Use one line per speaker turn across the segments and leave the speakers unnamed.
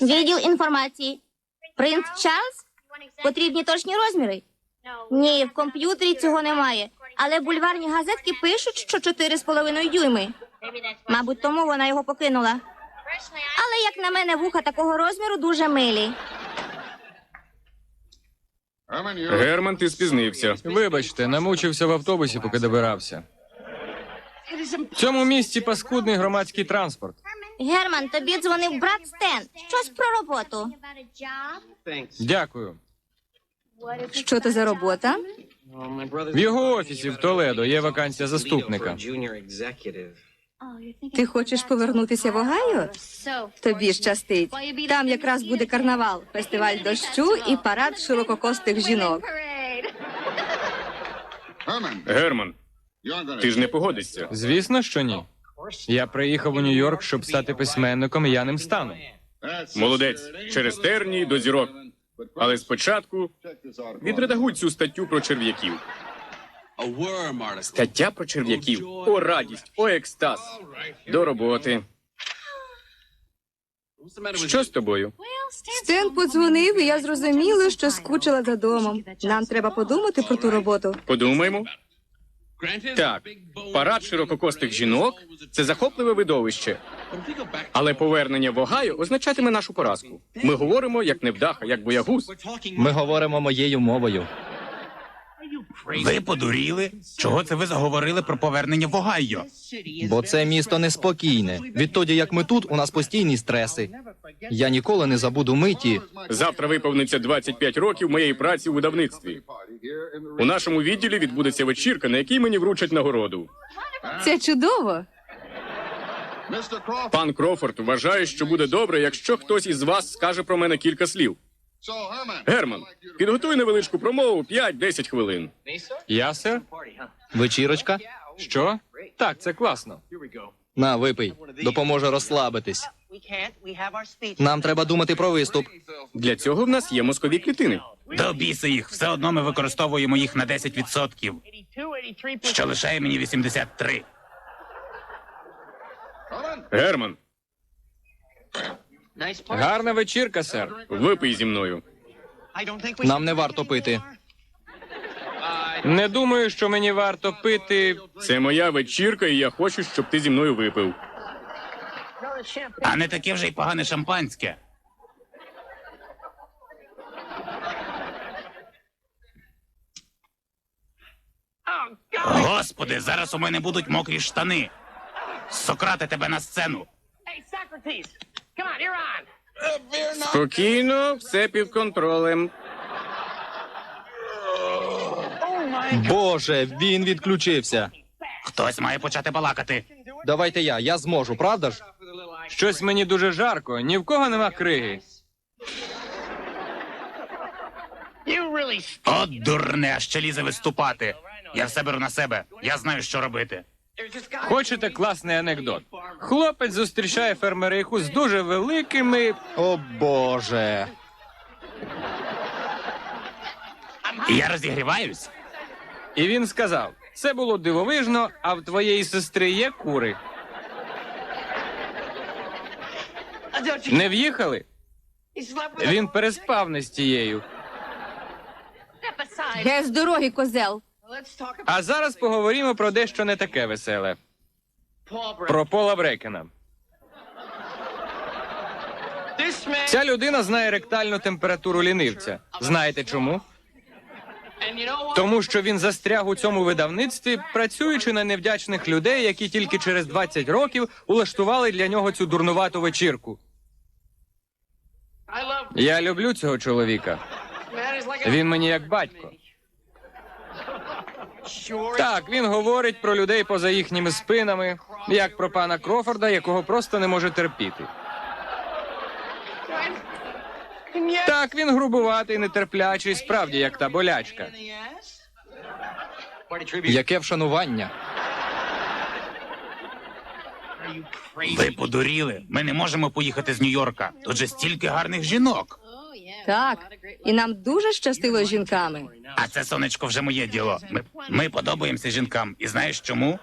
Відділ інформації. Принц Чарльз? Потрібні точні розміри? Ні, в комп'ютері цього немає. Але бульварні газетки пишуть, що 4,5 дюйми. Мабуть, тому вона його покинула. Але, як на мене, вуха такого розміру дуже милі.
Герман, ти спізнився.
Вибачте, намучився в автобусі, поки добирався. В цьому місті паскудний громадський транспорт.
Герман, тобі дзвонив брат Стен. Щось про роботу.
Дякую.
Що це за робота?
В його офісі в Толедо є вакансія заступника.
Ти хочеш повернутися в Огайо? Тобі щастить. Там якраз буде карнавал, фестиваль дощу і парад ширококостих жінок.
Герман, ти ж не погодишся.
Звісно, що ні. Я приїхав у Нью-Йорк, щоб стати письменником, і я ним стану.
Молодець. Через тернії до зірок. Але спочатку відредагуй цю статтю про черв'яків. Стаття про черв'яків. О, радість, о, екстаз. До роботи. Що з тобою?
Стен подзвонив, і я зрозуміла, що скучила за домом. Нам треба подумати про ту роботу.
Подумаємо. Так, парад ширококостих жінок – це захопливе видовище. Але повернення в Огайо означатиме нашу поразку. Ми говоримо як невдаха, як боягуз.
Ми говоримо моєю мовою.
Ви подуріли? Чого це ви заговорили про повернення в Огайо?
Бо це місто неспокійне. Відтоді, як ми тут, у нас постійні стреси. Я ніколи не забуду миті.
Завтра виповниться 25 років моєї праці у видавництві. У нашому відділі відбудеться вечірка, на якій мені вручать нагороду.
Це чудово.
Пан Крофорд вважає, що буде добре, якщо хтось із вас скаже про мене кілька слів. Герман, підготуй невеличку промову 5-10 хвилин.
Я, сер?
Вечірочка?
Що? Так, це класно.
На, випий. Допоможе розслабитись. Нам треба думати про виступ.
Для цього в нас є мозкові клітини.
До біса їх, все одно ми використовуємо їх на 10%, що лишає мені 83.
Герман,
Гарна вечірка, сер.
випий зі мною.
Нам не варто пити.
Не думаю, що мені варто пити.
Це моя вечірка, і я хочу, щоб ти зі мною випив.
А не таке вже й погане шампанське. Господи, зараз у мене будуть мокрі штани. Сократе, тебе на сцену.
Спокійно, все під контролем.
Боже, він відключився.
Хтось має почати балакати.
Давайте я зможу, правда ж?
Щось мені дуже жарко, ні в кого нема криги.
От дурне, ще лізе виступати. Я все беру на себе. Я знаю, що робити.
Хочете класний анекдот? Хлопець зустрічає фермериху з дуже великими...
О, Боже.
Я розігріваюсь.
І він сказав, це було дивовижно, а в твоєї сестри є кури. Не в'їхали? Він переспав не з тією.
Ге з дороги, козел.
А зараз поговоримо про дещо не таке веселе. Про Пола Брекена. Ця людина знає ректальну температуру лінивця. Знаєте чому? Тому що він застряг у цьому видавництві, працюючи на невдячних людей, які тільки через 20 років улаштували для нього цю дурнувату вечірку. Я люблю цього чоловіка. Він мені як батько. Так, він говорить про людей поза їхніми спинами, як про пана Крофорда, якого просто не може терпіти. Так, він грубуватий, нетерплячий, справді, як та болячка.
Яке вшанування.
Ви подуріли. Ми не можемо поїхати з Нью-Йорка. Тут же стільки гарних жінок.
Так, і нам дуже щастило з жінками.
А це, сонечко, вже моє діло. Ми подобаємося жінкам. І знаєш чому?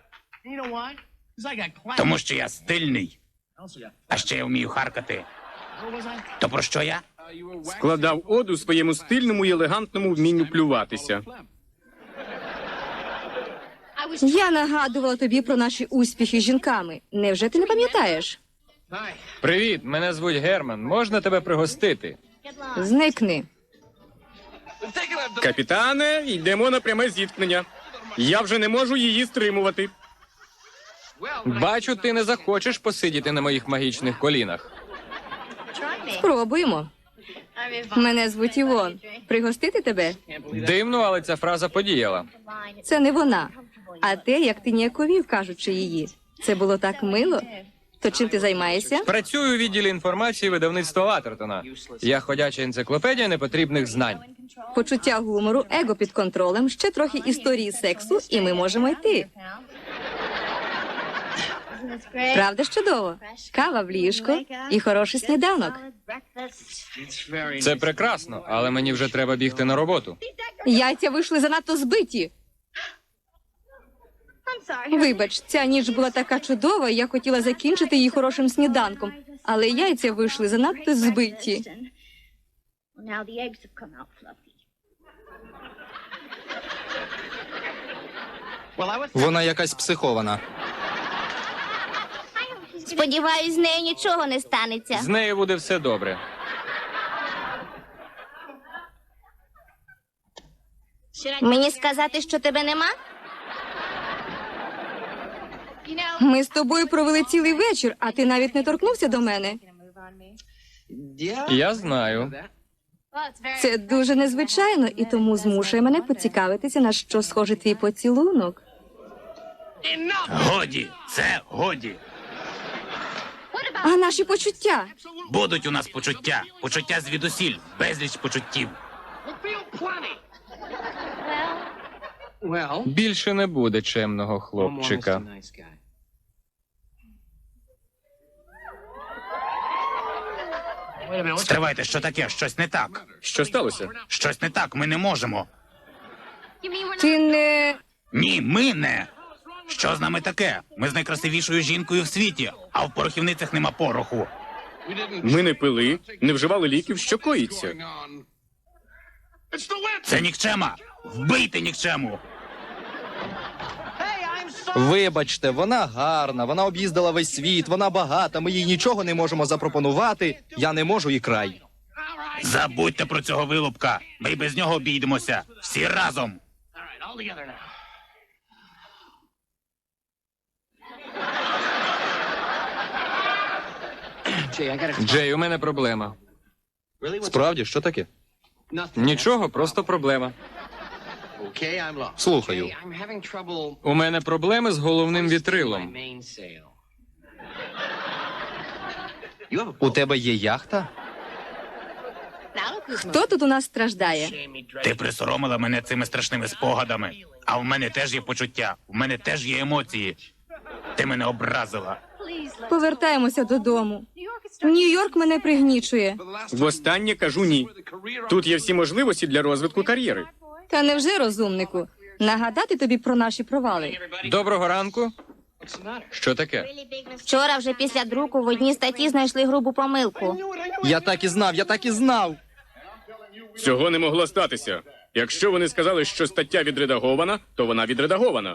Тому що я стильний. А ще я вмію харкати. То про що я?
Складав оду своєму стильному і елегантному вмінню плюватися.
Я нагадувала тобі про наші успіхи з жінками. Невже ти не пам'ятаєш?
Привіт, мене звуть Герман. Можна тебе пригостити?
Зникни.
Капітане, йдемо на пряме зіткнення. Я вже не можу її стримувати.
Бачу, ти не захочеш посидіти на моїх магічних колінах.
Спробуємо. Мене звуть Івон. Пригостити тебе?
Дивно, але ця фраза подіяла.
Це не вона. А те, як ти ніяковів, кажучи її. Це було так мило. То чим ти займаєшся?
Працюю у відділі інформації видавництва Ватертона. Я ходяча енциклопедія непотрібних знань.
Почуття гумору, его під контролем, ще трохи історії сексу, і ми можемо йти. Правда ж чудово? Кава в ліжко і хороший сніданок.
Це прекрасно, але мені вже треба бігти на роботу.
Яйця вийшли занадто збиті. Вибач, ця ніч була така чудова, і я хотіла закінчити її хорошим сніданком, але яйця вийшли занадто збиті.
Вона якась психована.
Сподіваюсь, з нею нічого не станеться.
З нею буде все добре.
Мені сказати, що тебе нема?
Ми з тобою провели цілий вечір, а ти навіть не торкнувся до мене.
Я знаю.
Це дуже незвичайно і тому змушує мене поцікавитися, на що схожий твій поцілунок.
Годі, це годі.
А наші почуття?
Будуть у нас почуття. Почуття звідусіль. Безліч почуттів.
Більше не буде чемного хлопчика.
Стривайте, що таке? Щось не так.
Що сталося?
Щось не так, ми не можемо.
Ти не...
Ні, ми не. Що з нами таке? Ми з найкрасивішою жінкою в світі, а в порохівницях нема пороху.
Ми не пили, не вживали ліків, що коїться.
Це нікчема. Вбийте нікчему.
Вибачте, вона гарна, вона об'їздила весь світ, вона багата, ми їй нічого не можемо запропонувати. Я не можу і край.
Забудьте про цього вилупка. Ми й без нього обійдемося. Всі разом.
Джей, у мене проблема.
Справді, що таке?
Нічого, просто проблема.
Слухаю.
У мене проблеми з головним вітрилом.
У тебе є яхта?
Хто тут у нас страждає?
Ти присоромила мене цими страшними спогадами. А в мене теж є почуття, в мене теж є емоції. Ти мене образила.
Повертаємося додому. Нью-Йорк мене пригнічує.
Востаннє кажу ні. Тут є всі можливості для розвитку кар'єри.
Та невже, розумнику? Нагадати тобі про наші провали.
Доброго ранку. Що таке?
Вчора вже після друку в одній статті знайшли грубу помилку.
Я так і знав, я так і знав.
Цього не могло статися. Якщо вони сказали, що стаття відредагована, то вона відредагована.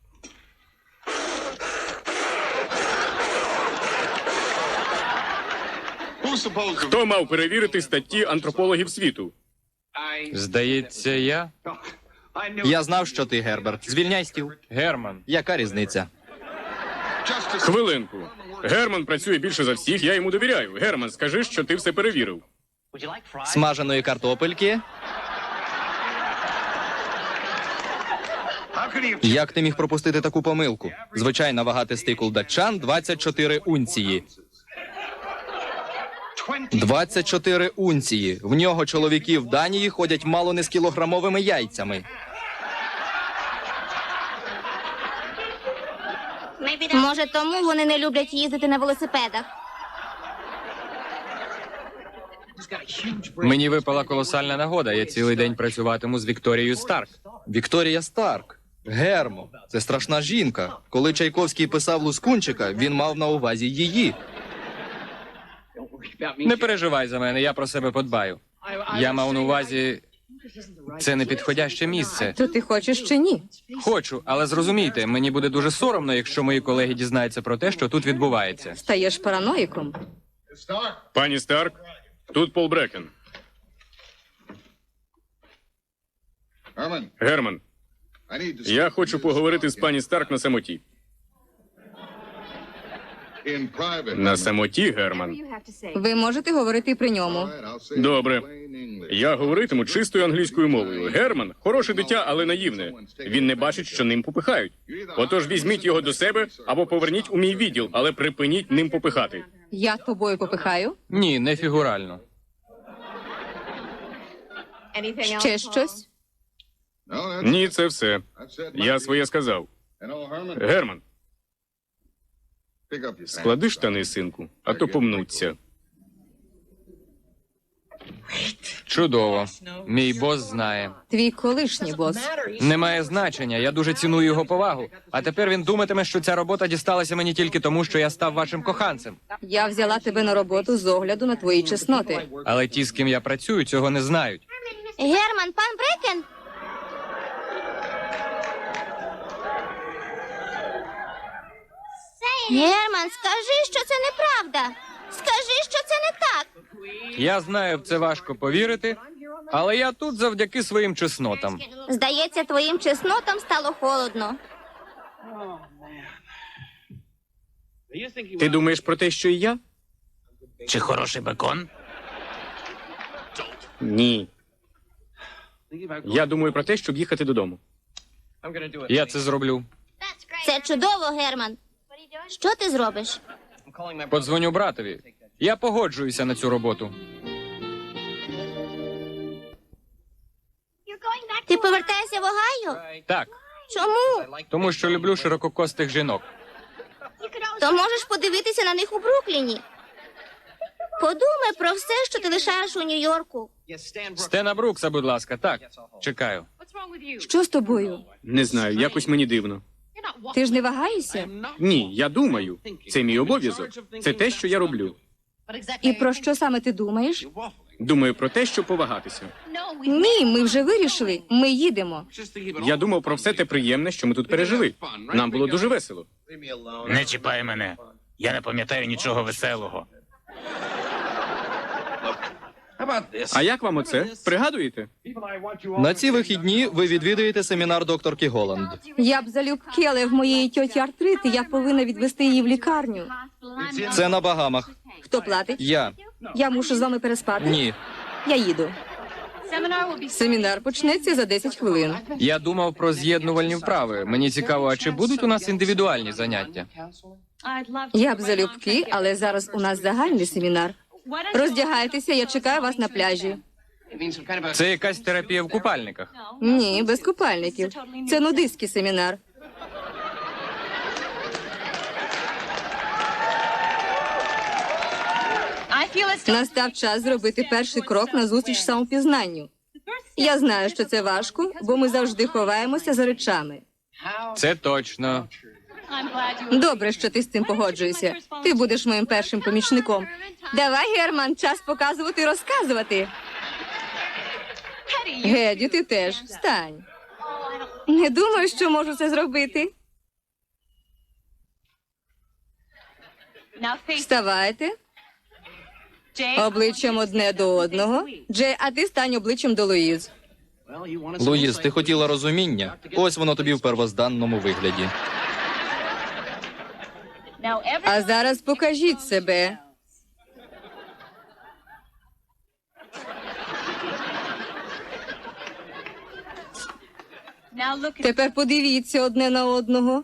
Хто мав перевірити статті антропологів світу?
Здається, я?
Я знав, що ти, Герберт. Звільняй стіл.
Герман.
Яка різниця?
Хвилинку. Герман працює більше за всіх, я йому довіряю. Герман, скажи, що ти все перевірив.
Смаженої картопельки? Як ти міг пропустити таку помилку? Звичайна вага тестикул датчан 24 унції. 24 унції. В нього чоловіки в Данії ходять мало не з кілограмовими яйцями.
Може, тому вони не люблять їздити на велосипедах.
Мені випала колосальна нагода. Я цілий день працюватиму з Вікторією Старк.
Вікторія Старк. Гермо. Це страшна жінка. Коли Чайковський писав Лускунчика, він мав на увазі її.
Не переживай за мене, я про себе подбаю. Я мав на увазі, це не підходяще місце.
То ти хочеш чи ні?
Хочу, але зрозумійте, мені буде дуже соромно, якщо мої колеги дізнаються про те, що тут відбувається.
Стаєш параноїком.
Пані Старк, тут Пол Брекен. Герман, я хочу поговорити з пані Старк на самоті. На самоті, Герман.
Ви можете говорити при ньому.
Добре. Я говоритиму чистою англійською мовою. Герман – хороше дитя, але наївне. Він не бачить, що ним попихають. Отож візьміть його до себе або поверніть у мій відділ, але припиніть ним попихати.
Я тобою попихаю.
Ні, не фігурально.
Ще щось?
Ні, це все. Я своє сказав. Герман, склади штани, синку, а то помнуться.
Чудово. Мій бос знає.
Твій колишній бос.
Немає значення, я дуже ціную його повагу. А тепер він думатиме, що ця робота дісталася мені тільки тому, що я став вашим коханцем.
Я взяла тебе на роботу з огляду на твої чесноти.
Але ті, з ким я працюю, цього не знають.
Герман, пан Брекен? Герман, скажи, що це неправда. Скажи, що це не так.
Я знаю, в це важко повірити, але я тут завдяки своїм чеснотам.
Здається, твоїм чеснотам стало холодно.
Ти думаєш про те, що і я?
Чи хороший бекон?
Ні. Я думаю про те, щоб їхати додому.
Я це зроблю.
Це чудово, Герман. Що ти зробиш?
Подзвоню братові. Я погоджуюся на цю роботу.
Ти повертаєшся в Огайо?
Так,
Чому?
тому що люблю ширококостих жінок.
То можеш подивитися на них у Брукліні. Подумай про все, що ти лишаєш у Нью-Йорку.
Стена Брукса, будь ласка, так. Чекаю.
Що з тобою?
Не знаю, якось мені дивно.
Ти ж не вагаєшся?
Ні, я думаю. Це мій обов'язок. Це те, що я роблю.
І про що саме ти думаєш?
Думаю про те, щоб повагатися.
Ні, ми вже вирішили. Ми їдемо.
Я думав про все те приємне, що ми тут пережили. Нам було дуже весело.
Не чіпай мене. Я не пам'ятаю нічого веселого.
А як вам оце? Пригадуєте?
На ці вихідні ви відвідаєте семінар докторки Голланд.
Я б залюбки, але в моєї тьоті артрит, і я повинна відвести її в лікарню.
Це на Багамах.
Хто платить?
Я.
Я мушу з вами переспати.
Ні.
Я їду. Семінар почнеться за 10 хвилин.
Я думав про з'єднувальні вправи. Мені цікаво, а чи будуть у нас індивідуальні заняття?
Я б залюбки, але зараз у нас загальний семінар. Роздягайтеся, я чекаю вас на пляжі.
Це якась терапія в купальниках.
Ні, без купальників. Це нудистський семінар. Настав час зробити перший крок на зустріч самопізнанню. Я знаю, що це важко, бо ми завжди ховаємося за речами.
Це точно.
Добре, що ти з цим погоджуєшся. Ти будеш моїм першим помічником. Давай, Герман, час показувати і розказувати. Геді, ти теж встань. Не думаю, що можу це зробити. Вставайте. Обличчям одне до одного. Джей, а ти стань обличчям до Луїз.
Луїз, ти хотіла розуміння? Ось воно тобі в первозданному вигляді.
А зараз покажіть себе. Тепер подивіться одне на одного.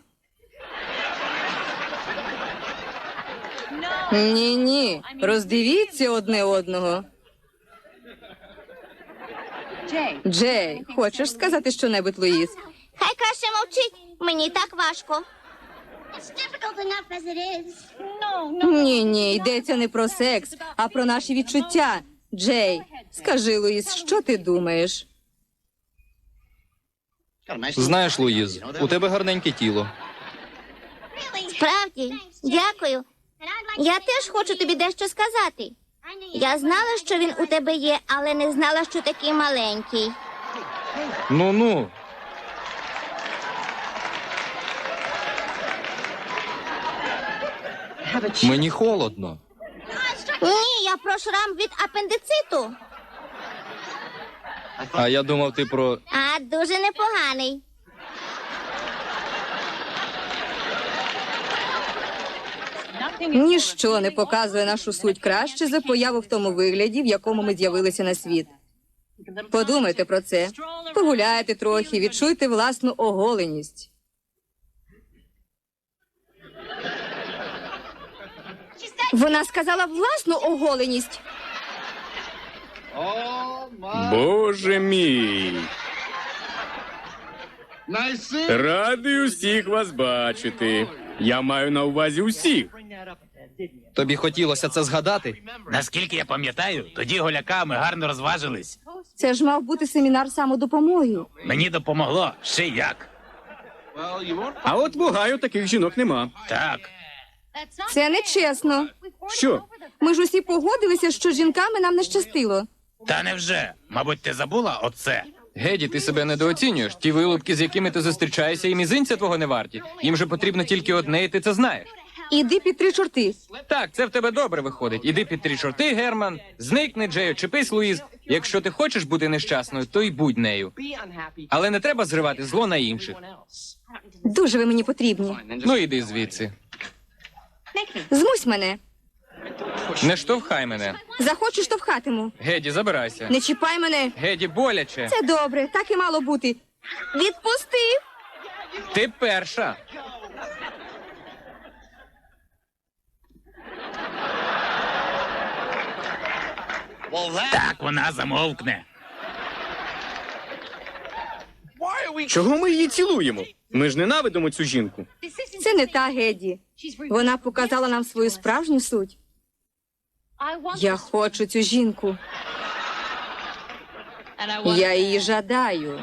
Ні, роздивіться одне одного. Джей, хочеш сказати щонебудь, Луїз?
Хай краще мовчить. Мені так важко.
Ні, йдеться не про секс, а про наші відчуття. Джей, скажи, Луїз, що ти думаєш?
Знаєш, Луїз, у тебе гарненьке тіло.
Справді, дякую. Я теж хочу тобі дещо сказати. Я знала, що він у тебе є, але не знала, що такий маленький.
Ну-ну. Мені холодно.
Ні, я про шрам від апендициту.
А я думав, ти про.
А дуже непоганий.
Ніщо не показує нашу суть краще за появу в тому вигляді, в якому ми з'явилися на світ. Подумайте про це. Погуляйте трохи, відчуйте власну оголеність. Вона сказала власну оголеність.
Боже мій! Радий усіх вас бачити. Я маю на увазі усіх.
Тобі хотілося це згадати?
Наскільки я пам'ятаю, тоді голяками гарно розважились.
Це ж мав бути семінар самодопомоги.
Мені допомогло ще як.
А от в Огайо таких жінок нема.
Так,
Це нечесно.
Що?
Ми ж усі погодилися, що з жінками нам не щастило.
та невже? Мабуть, ти забула оце?
Геді, ти себе недооцінюєш. Ті вилупки, з якими ти зустрічаєшся, і мізинця твого не варті. Їм же потрібно тільки одне, і ти це знаєш.
Іди під 3 чорти.
Так, це в тебе добре виходить. Іди під 3 чорти, Герман. Зникни, Джею, чепись, Луїз. Якщо ти хочеш бути нещасною, то й будь нею. Але не треба зривати зло на інших.
Дуже ви мені потрібні.
Ну іди звідси.
Змусь мене.
Не штовхай мене.
Захочу, штовхатиму.
Геді, забирайся.
Не чіпай мене.
Геді, боляче.
Це добре, так і мало бути. Відпустив.
Ти перша.
Так, вона замовкне.
Чого ми її цілуємо? Ми ж ненавидимо цю жінку.
Це не та Геді. Вона показала нам свою справжню суть. Я хочу цю жінку. Я її жадаю.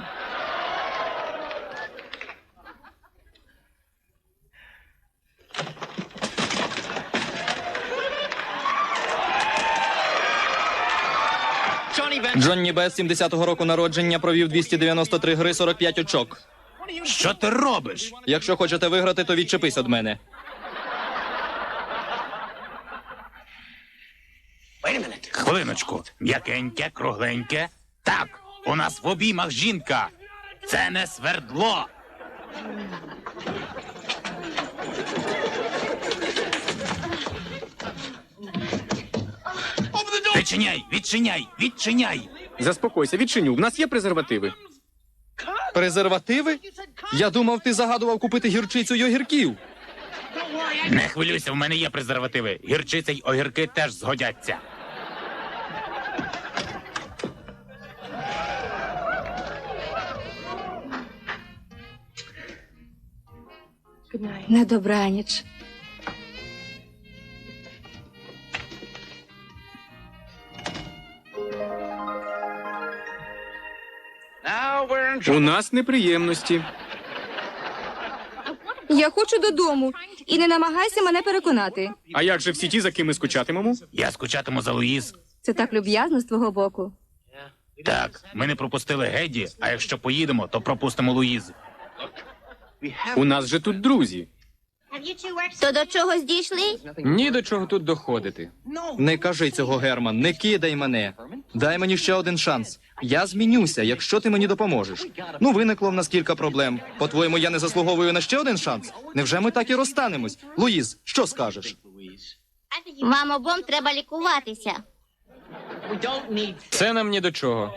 Джонні Бес 70-го року народження провів 293 гри, 45 очок.
Що ти робиш?
Якщо хочете виграти, то відчепись від мене.
Хвилиночку. М'якеньке, кругленьке. Так, у нас в обіймах жінка. Це не свердло. Відчиняй, відчиняй, відчиняй.
Заспокойся, відчиню. В нас є презервативи.
Презервативи? Я думав, ти загадував купити гірчицю й огірків.
Не хвилюйся, в мене є презервативи. Гірчиця й огірки теж згодяться.
На добраніч.
У нас неприємності.
Я хочу додому. І не намагайся мене переконати.
А як же всі ті, за ким ми скучатимемо?
Я скучатиму за Луїз.
Це так люб'язно з твого боку.
Так, ми не пропустили Геді, а якщо поїдемо, то пропустимо Луїз.
У нас же тут друзі.
То до чогось дійшли?
Ні до чого тут доходити.
Не кажи цього, Герман, не кидай мене. Дай мені ще один шанс. Я змінюся, якщо ти мені допоможеш. Ну, виникло в нас кілька проблем. По-твоєму, я не заслуговую на ще один шанс? Невже ми так і розстанемось? Луїз, що скажеш?
Вам обом треба лікуватися.
Це нам ні до чого.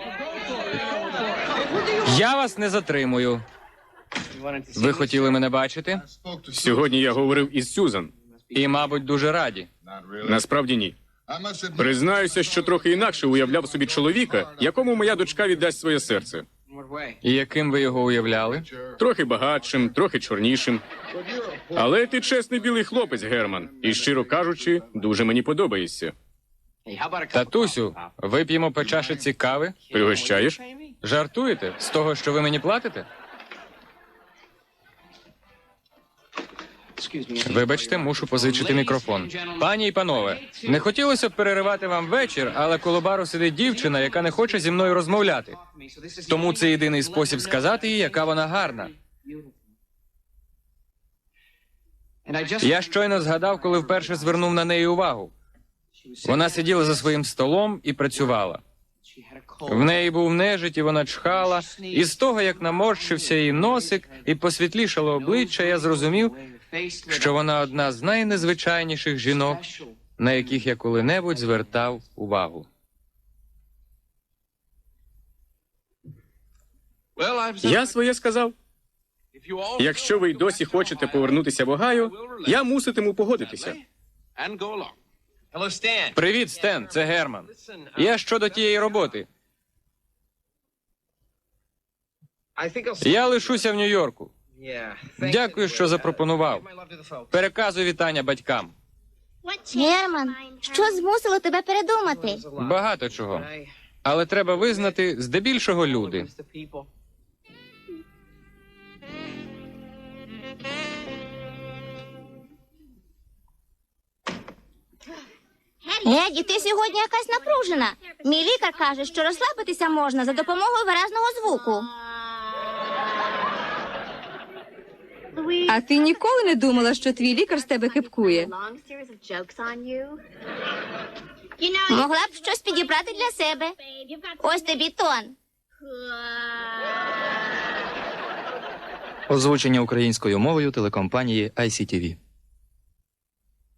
Я вас не затримую. Ви хотіли мене бачити?
Сьогодні я говорив із Сюзан.
І, мабуть, дуже раді.
Насправді ні. Признаюся, що трохи інакше уявляв собі чоловіка, якому моя дочка віддасть своє серце.
І яким ви його уявляли?
Трохи багатшим, трохи чорнішим. Але ти чесний білий хлопець, Герман. І, щиро кажучи, дуже мені подобаєшся.
Татусю, вип'ємо по чашиці кави?
Пригощаєш?
Жартуєте? З того, що ви мені платите? Вибачте, мушу позичити мікрофон. Пані і панове, не хотілося б переривати вам вечір, але коло бару сидить дівчина, яка не хоче зі мною розмовляти. Тому це єдиний спосіб сказати їй, яка вона гарна. Я щойно згадав, коли вперше звернув на неї увагу. Вона сиділа за своїм столом і працювала. В неї був нежить, і вона чхала, і з того, як наморщився її носик і посвітлішало обличчя, я зрозумів, що вона одна з найнезвичайніших жінок, на яких я коли-небудь звертав увагу.
Я своє сказав. Якщо ви й досі хочете повернутися в Огайо, я муситиму погодитися.
Привіт, Стен, це Герман. Я щодо тієї роботи. Я лишуся в Нью-Йорку. Дякую, що запропонував. Переказуй вітання батькам.
Герман, що змусило тебе передумати?
Багато чого. Але треба визнати, здебільшого люди.
Еді, ти сьогодні якась напружена. Мій лікар каже, що розслабитися можна за допомогою виразного звуку.
А ти ніколи не думала, що твій лікар з тебе хипкує?
Могла б щось підібрати для себе. Ось тобі тон.
Озвучення українською мовою телекомпанії ICTV.